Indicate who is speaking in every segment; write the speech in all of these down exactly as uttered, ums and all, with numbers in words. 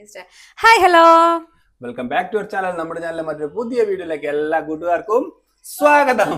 Speaker 1: Hi hello
Speaker 2: welcome back to our channel. നമ്മുടെ ചാനലിലെ മറ്റൊരു പുതിയ വീഡിയോയിലേക്ക് എല്ലാ കൂട്ടുകാർക്കും സ്വാഗതം.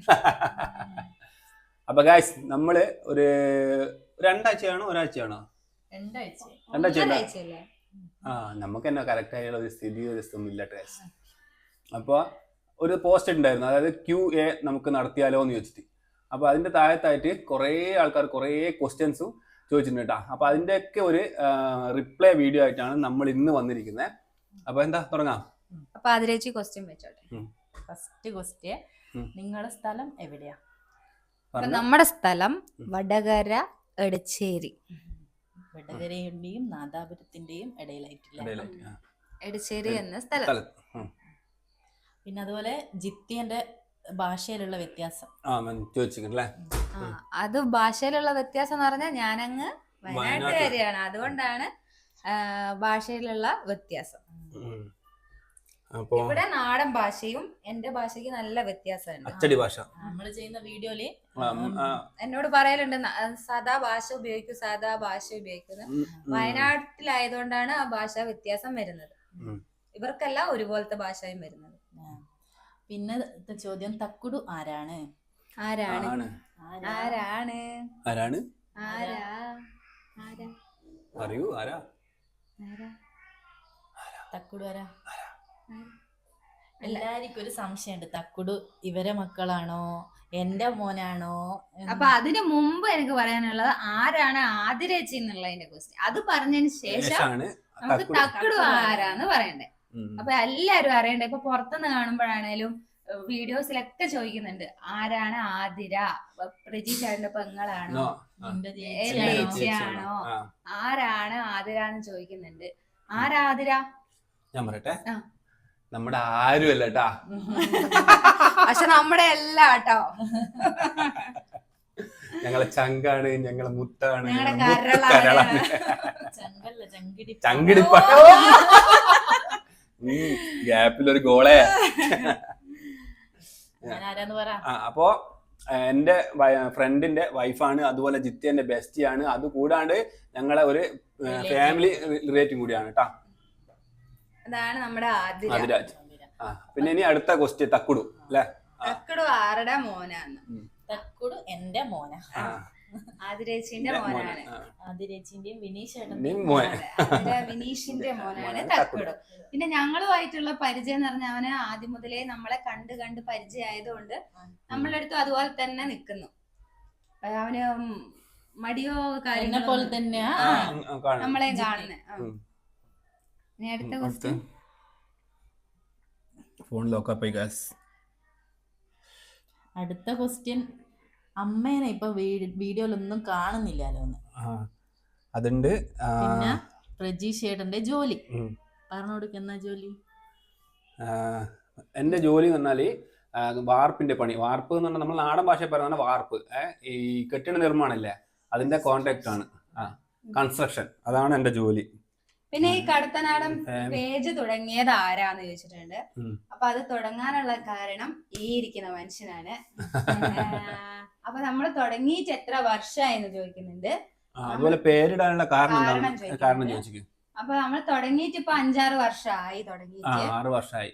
Speaker 2: അപ്പൊ ഗായ്സ് നമ്മള് ഒരു രണ്ടാഴ്ചയാണോ ഒരാഴ്ചയാണോ രണ്ടാഴ്ച ആ നമുക്ക് തന്നെ കറക്റ്റ് ആയുള്ള ഒരു സ്ഥിതി ഒന്നും ഇല്ല ഗായ്സ്. അപ്പോൾ ഒരു പോസ്റ്റ് ഉണ്ടായിരുന്നു, അതായത് ക്യു എ നമുക്ക് നടത്തിയാലോ എന്ന് ചോദിച്ചിട്ട്. അപ്പൊ അതിന്റെ താഴത്തായിട്ട് കുറേ ആൾക്കാർ കുറേ ക്വസ്റ്റ്യൻസും ചോദിച്ചിട്ടുണ്ട് കേട്ടോ. അപ്പൊ അതിന്റെയൊക്കെ ഒരു റിപ്ലൈ വീഡിയോ ആയിട്ടാണ് നമ്മൾ ഇന്ന് വന്നിരിക്കുന്നത്. അപ്പൊ എന്താ തുടങ്ങാം.
Speaker 1: അപ്പൊ അതിലേക്ക് ക്വസ്റ്റ്യൻ വെച്ചോട്ടെ.
Speaker 3: ഫസ്റ്റ് ക്വസ്റ്റ്യൻ, നിങ്ങളുടെ സ്ഥലം എവിടെയാ?
Speaker 1: നമ്മുടെ സ്ഥലം വടകര എടച്ചേരി.
Speaker 3: വടകരയുടെയും നാദാപുരത്തിന്റെയും ഇടയിലായിട്ടില്ല,
Speaker 1: എടച്ചേരി എന്ന സ്ഥലം.
Speaker 3: പിന്നെ അതുപോലെ ജിത്യന്റെ ഭാഷയിലുള്ള വ്യത്യാസം
Speaker 2: ചോദിച്ചില്ലേ?
Speaker 1: അത് ഭാഷയിലുള്ള വ്യത്യാസം എന്ന് പറഞ്ഞാൽ ഞാനങ്ങ് വയനാട്ടുകാരിയാണ്, അതുകൊണ്ടാണ് ഭാഷയിലുള്ള വ്യത്യാസം. ഇവിടെ നാടൻ ഭാഷയും എന്റെ ഭാഷയ്ക്ക് നല്ല വ്യത്യാസമുണ്ട്.
Speaker 2: അച്ചടി ഭാഷ
Speaker 3: നമ്മൾ ചെയ്യുന്ന വീഡിയോയില്
Speaker 1: എന്നോട് പറയലുണ്ട് സാധാ ഭാഷ ഉപയോഗിക്കും സാധാ ഭാഷ ഉപയോഗിക്കുന്നത്. വയനാട്ടിലായതുകൊണ്ടാണ് ആ ഭാഷ വ്യത്യാസം വരുന്നത്. ഇവർക്കെല്ലാം ഒരുപോലത്തെ ഭാഷയും വരുന്നത്.
Speaker 3: പിന്നെ ചോദ്യം, തക്കുടു ആരാണ്?
Speaker 1: ആരാണ് ആരാണ്
Speaker 2: ആരാണ്
Speaker 1: ആരാ ആരാ
Speaker 2: അറിയൂ ആരാ
Speaker 3: തക്കുടു ആരാ? എല്ലാവർക്കും ഒരു സംശയമുണ്ട്, തക്കുടു ഇവരെ മക്കളാണോ എന്റെ മോനാണോ?
Speaker 1: അപ്പൊ അതിനു മുമ്പ് എനിക്ക് പറയാനുള്ളത് ആരാണ് ആതിരേച്ചി എന്നുള്ളതിന്റെ ക്വസ്റ്റ്യൻ. അത് പറഞ്ഞതിന് ശേഷം നമുക്ക് തക്കുടു ആരാന്ന് പറയണ്ടേ. അപ്പൊ എല്ലാരും അറിയണ്ടേ. ഇപ്പൊ പുറത്തുനിന്ന് കാണുമ്പോഴാണേലും വീഡിയോസിലൊക്കെ ചോദിക്കുന്നുണ്ട് ആരാണ് ആതിര, പ്രജീഷാടിന്റെ പെങ്ങളാണോ ചേച്ചിയാണോ, ആരാണ് ആതിര എന്ന് ചോദിക്കുന്നുണ്ട്. ആരാതിര?
Speaker 2: ഞാൻ പറയട്ടെ, നമ്മുടെ ആരും അല്ല കേട്ടാ,
Speaker 1: പക്ഷെ നമ്മുടെ എല്ലാ കേട്ടോ.
Speaker 2: ഞങ്ങളെ ചങ്കാണ്, ഞങ്ങളെ മുത്താണ്,
Speaker 3: ചങ്കിടിപ്പ
Speaker 2: ഗ്യാപ്പിലൊരു ഗോളെ. അപ്പോ എന്റെ ഫ്രണ്ടിന്റെ വൈഫാണ്, അതുപോലെ ജിത്യന്റെ ബെസ്റ്റിയാണ്, അത് കൂടാണ്ട് ഞങ്ങളെ ഒരു ഫാമിലി റിലേറ്റീവ് കൂടിയാണ് കേട്ടാ.
Speaker 1: അതാണ് നമ്മുടെ
Speaker 2: ആദിരാജ്. ആ പിന്നെ ഇനി അടുത്ത ക്വസ്റ്റ്യൻ, തക്കുടു അല്ലെ?
Speaker 1: തക്കുടു ആരുടെ മോനാണ്?
Speaker 3: തക്കുടു എന്റെ മോന,
Speaker 1: ആതിരേച്ചിന്റെ മോനാണ്.
Speaker 3: ആതിരേച്ചിന്റെയും
Speaker 1: വിനീഷിന്റെ മോനാണ് തക്കുടു. പിന്നെ ഞങ്ങളുമായിട്ടുള്ള പരിചയം എന്ന് പറഞ്ഞാൽ അവന് ആദ്യം മുതലേ നമ്മളെ കണ്ട് കണ്ട് പരിചയമായതുകൊണ്ട് നമ്മളുടെ അടുത്തും അതുപോലെ തന്നെ നിൽക്കുന്നു. അവന് മടിയോ കാര്യങ്ങളെ
Speaker 3: പോലെ തന്നെയാ
Speaker 1: നമ്മളെ കാണുന്നത്. ഇനി അടുത്ത ക്വസ്റ്റ്യൻ,
Speaker 2: ഫോൺ ലോക്കായി ഗായ്സ്.
Speaker 3: അടുത്ത ക്വസ്റ്റ്യൻ, അമ്മേനെ ഇപ്പൊ വീഡിയോയിലൊന്നും കാണുന്നില്ലല്ലോ.
Speaker 2: അതുണ്ട്.
Speaker 3: പിന്നെ പ്രജീഷേട്ടന്റെ ജോലി പറഞ്ഞു കൊടുക്കുന്ന ജോലി.
Speaker 2: എന്റെ ജോലി എന്ന് പറഞ്ഞാല് വാർപ്പിന്റെ പണി. വാർപ്പ് എന്ന് പറഞ്ഞാൽ നമ്മൾ നാടൻ ഭാഷ പറയുന്ന വാർപ്പ്, ഈ കെട്ടിട നിർമ്മാണല്ലേ, അതിന്റെ കോൺട്രാക്ട് ആണ്. ആ കൺസ്ട്രക്ഷൻ, അതാണ് എന്റെ ജോലി.
Speaker 1: പിന്നെ ഈ കടത്തനാടൻ പേജ് തുടങ്ങിയത് ആരാന്ന് ചോദിച്ചിട്ടുണ്ട്. അപ്പൊ അത് തുടങ്ങാനുള്ള കാരണം ഈ ഇരിക്കുന്ന മനുഷ്യനാണ്. അപ്പൊ നമ്മൾ തുടങ്ങിയിട്ട് എത്ര വർഷമായെന്ന് ചോദിക്കുന്നുണ്ട്.
Speaker 2: അതുപോലെ പേരിടാനുള്ള കാരണം കാരണം ചോദിച്ചു.
Speaker 1: അപ്പൊ നമ്മൾ തുടങ്ങിയിട്ട് ഇപ്പൊ അഞ്ചാറ് വർഷമായി. തുടങ്ങിയിട്ട്
Speaker 2: ആറ് വർഷമായി.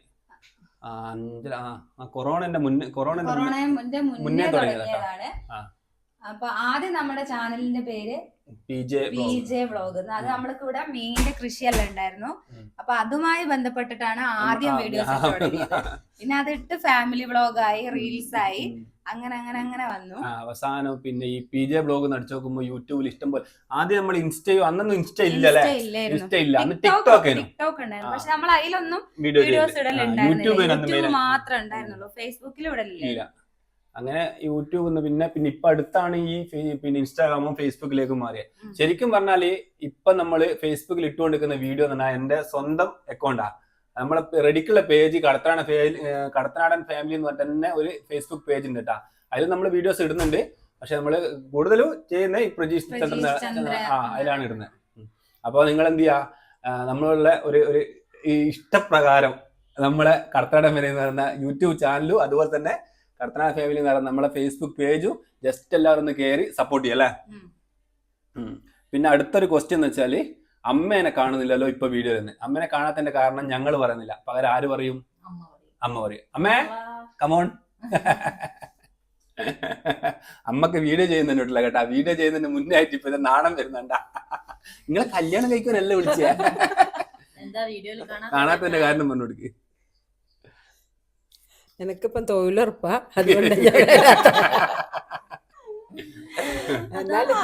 Speaker 2: കൊറോണന്റെ മുന്നേ
Speaker 1: കൊറോണന്റെ മുന്നേ തുടങ്ങിയതാണ്. അപ്പൊ ആദ്യം നമ്മുടെ ചാനലിന്റെ പേര് പി ജെ വ്ളോഗ്. അത് നമ്മൾക്ക് ഇവിടെ മീനിന്റെ കൃഷിയെല്ലാം ഉണ്ടായിരുന്നു. അപ്പൊ അതുമായി ബന്ധപ്പെട്ടിട്ടാണ് ആദ്യം വീഡിയോസ് തുടങ്ങിയത്. പിന്നെ അതിട്ട് ഫാമിലി വ്ളോഗായി, റീൽസ് ആയി, അങ്ങനെ അങ്ങനെ അങ്ങനെ വന്നു.
Speaker 2: അവസാനം പിന്നെ ഈ പി ജെ വ്ളോഗ് നടിച്ചു നോക്കുമ്പോ യൂട്യൂബിൽ ഇഷ്ടം പോലെ. ആദ്യം നമ്മൾ ഇൻസ്റ്റയോ, അന്നൊന്നും ഇൻസ്റ്റ ഇല്ലല്ലേ, ഇൻസ്റ്റ ഇല്ല, അന്ന് ടിക്ടോക്ക്
Speaker 1: ടിക്ടോക്ക് ഉണ്ടായിരുന്നു. പക്ഷെ നമ്മൾ അതിലൊന്നും വീഡിയോസ് ഇടലുണ്ടായിരുന്നില്ല, യൂട്യൂബ് മാത്രമേ ഉണ്ടായിരുന്നുള്ളൂ, ഫേസ്ബുക്കിൽ ഇടലില്ല.
Speaker 2: അങ്ങനെ യൂട്യൂബിൽ നിന്ന് പിന്നെ പിന്നെ ഇപ്പൊ അടുത്താണ് ഈ പിന്നെ ഇൻസ്റ്റാഗ്രാമും ഫേസ്ബുക്കിലേക്കും മാറിയത്. ശരിക്കും പറഞ്ഞാല് ഇപ്പൊ നമ്മള് ഫേസ്ബുക്കിൽ ഇട്ടുകൊണ്ടിരിക്കുന്ന വീഡിയോ എന്ന് പറഞ്ഞാൽ എന്റെ സ്വന്തം അക്കൗണ്ടാ. നമ്മളെ റെഡിക്കുള്ള പേജ് കടത്തനാടൻ കടത്തനാടൻ ഫാമിലി എന്ന് പറഞ്ഞ തന്നെ ഒരു ഫേസ്ബുക്ക് പേജ് ഉണ്ട് കേട്ടാ. അതിൽ നമ്മൾ വീഡിയോസ് ഇടുന്നുണ്ട്. പക്ഷെ നമ്മള് കൂടുതലും ചെയ്യുന്ന ഈ പ്രജീഷ് ചന്ദ്രൻ ആ അതിലാണ് ഇടുന്നത്. അപ്പൊ നിങ്ങൾ എന്ത് ചെയ്യാ, നമ്മളുള്ള ഒരു ഒരു ഇഷ്ടപ്രകാരം നമ്മളെ കടത്തനാടൻ ഫാമിലി എന്ന് പറയുന്ന യൂട്യൂബ് ചാനലും അതുപോലെ തന്നെ കടത്തനാടൻ ഫാമിലി എന്ന് പറയുന്ന നമ്മളെ ഫേസ്ബുക്ക് പേജും ജസ്റ്റ് എല്ലാവരും ഒന്ന് കയറി സപ്പോർട്ട് ചെയ്യല്ലേ. പിന്നെ അടുത്തൊരു ക്വസ്റ്റ്യൻ എന്ന് വെച്ചാല്, അമ്മേനെ കാണുന്നില്ലല്ലോ ഇപ്പൊ വീഡിയോ തന്നെ. അമ്മേനെ കാണാത്തതിന്റെ കാരണം ഞങ്ങൾ പറയുന്നില്ല, പകരം ആര് പറയും?
Speaker 3: അമ്മ പറയും.
Speaker 2: അമ്മ പറയും. അമ്മേ
Speaker 3: വാ.
Speaker 2: കമോൺ. അമ്മക്ക് വീഡിയോ ചെയ്യുന്നുണ്ടല്ല കേട്ടാ. വീഡിയോ ചെയ്യുന്നതിന് മുന്നേ ആയിട്ട് ഇപ്പൊ ഇത് നാണം വരുന്നുണ്ടാ. നിങ്ങളെ കല്യാണം കഴിക്കാനല്ലേ വിളിച്ചേ?
Speaker 3: എന്താ വീഡിയോയിൽ
Speaker 2: കാണാത്തതിന്റെ കാരണം പറഞ്ഞു കൊടുക്ക്.
Speaker 4: എനിക്കിപ്പം തൊഴിലുറപ്പാ, അതുകൊണ്ട് ഞാൻ എന്നാലും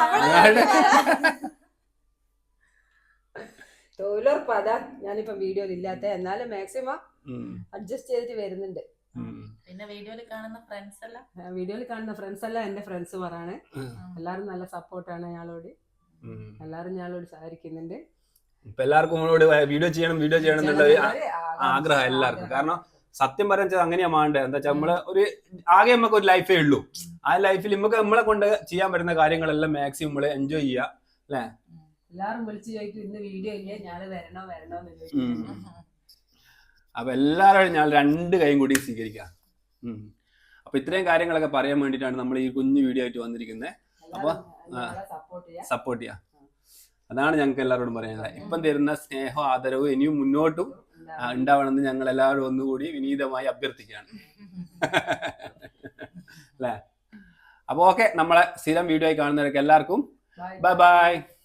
Speaker 4: തൊഴിലുറപ്പാ, അതാ ഞാനിപ്പം വീഡിയോയിൽ ഇല്ലാത്ത. എന്നാലും മാക്സിമം അഡ്ജസ്റ്റ് ചെയ്തിട്ട് വരുന്നുണ്ട്.
Speaker 3: പിന്നെ വീഡിയോയിൽ കാണുന്ന ഫ്രണ്ട്സ് എല്ലാം
Speaker 4: വീഡിയോയിൽ കാണുന്ന ഫ്രണ്ട്സ് എല്ലാം എന്റെ ഫ്രണ്ട്സുമാരാണ്. എല്ലാരും നല്ല സപ്പോർട്ടാണ് ഞങ്ങളോട്. എല്ലാരും ഞങ്ങളോട് സഹകരിക്കുന്നുണ്ട്.
Speaker 2: ഇപ്പൊ എല്ലാവർക്കും വീഡിയോ ചെയ്യണം വീഡിയോ ചെയ്യണം എന്നുള്ള ആഗ്രഹം എല്ലാവർക്കും. കാരണം സത്യം പറഞ്ഞാൽ അങ്ങനെയാ വേണ്ടത്. എന്താ വെച്ചാൽ നമ്മള് ഒരു ആകെ നമുക്ക് ഒരു ലൈഫേ ഉള്ളൂ. ആ ലൈഫിൽ നമുക്ക് നമ്മളെ കൊണ്ട് ചെയ്യാൻ പറ്റുന്ന കാര്യങ്ങളെല്ലാം മാക്സിമം നമ്മള് എൻജോയ് ചെയ്യാ അല്ലെ.
Speaker 4: എല്ലാരും വിളിച്ചു ചോദിക്കും ഇന്ന് വീഡിയോ ഇല്ലേ, ഞാൻ വരണോ വരണോ എന്ന് ചോദിക്കും.
Speaker 2: അപ്പൊ എല്ലാവരും ഞാൻ രണ്ട് കൈയും കൂടി സ്വീകരിക്കാം. അപ്പൊ ഇത്രയും കാര്യങ്ങളൊക്കെ പറയാൻ വേണ്ടിയിട്ടാണ് നമ്മൾ ഈ കുഞ്ഞു വീഡിയോ ആയിട്ട് വന്നിരിക്കുന്നത്. അപ്പൊ സപ്പോർട്ട് ചെയ്യാം, അതാണ് ഞങ്ങൾക്ക് എല്ലാവരോടും പറയാനുള്ളത്. ഇപ്പം തരുന്ന സ്നേഹവും ആദരവും ഇനിയും മുന്നോട്ടും ഉണ്ടാവണമെന്ന് ഞങ്ങൾ എല്ലാവരും ഒന്നുകൂടി വിനീതമായി അഭ്യർത്ഥിക്കുകയാണ് അല്ലേ. അപ്പൊ ഓക്കെ, നമ്മളെ സ്ഥിരം വീഡിയോ ആയി കാണുന്നവരൊക്കെ എല്ലാവർക്കും ബൈ ബൈ.